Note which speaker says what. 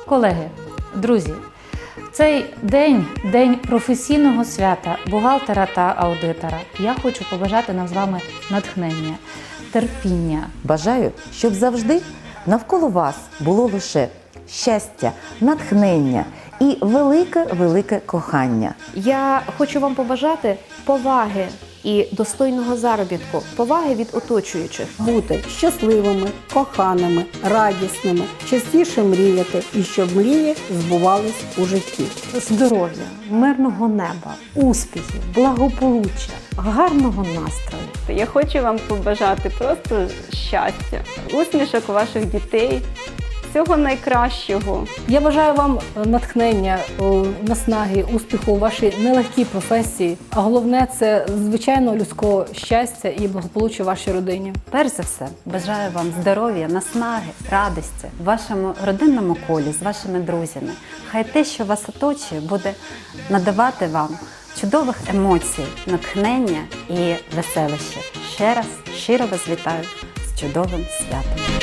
Speaker 1: Колеги, друзі, цей день професійного свята бухгалтера та аудитора. Я хочу побажати нам з вами натхнення, терпіння.
Speaker 2: Бажаю, щоб завжди навколо вас було лише щастя, натхнення і велике кохання.
Speaker 3: Я хочу вам побажати поваги і достойного заробітку, поваги від оточуючих.
Speaker 4: Бути щасливими, коханими, радісними, частіше мріяти і щоб мрії збувались у житті.
Speaker 5: Здоров'я, мирного неба, успіхів, благополуччя, гарного настрою.
Speaker 6: Я хочу вам побажати просто щастя, усмішок ваших дітей, всього найкращого.
Speaker 5: Я бажаю вам натхнення, наснаги, успіху у вашій нелегкій професії, а головне – це звичайно людського щастя і благополуччя в вашій родині.
Speaker 7: Перш за все, бажаю вам здоров'я, наснаги, радості в вашому родинному колі, з вашими друзями. Хай те, що вас оточує, буде надавати вам чудових емоцій, натхнення і веселища. Ще раз щиро вас вітаю з чудовим святом.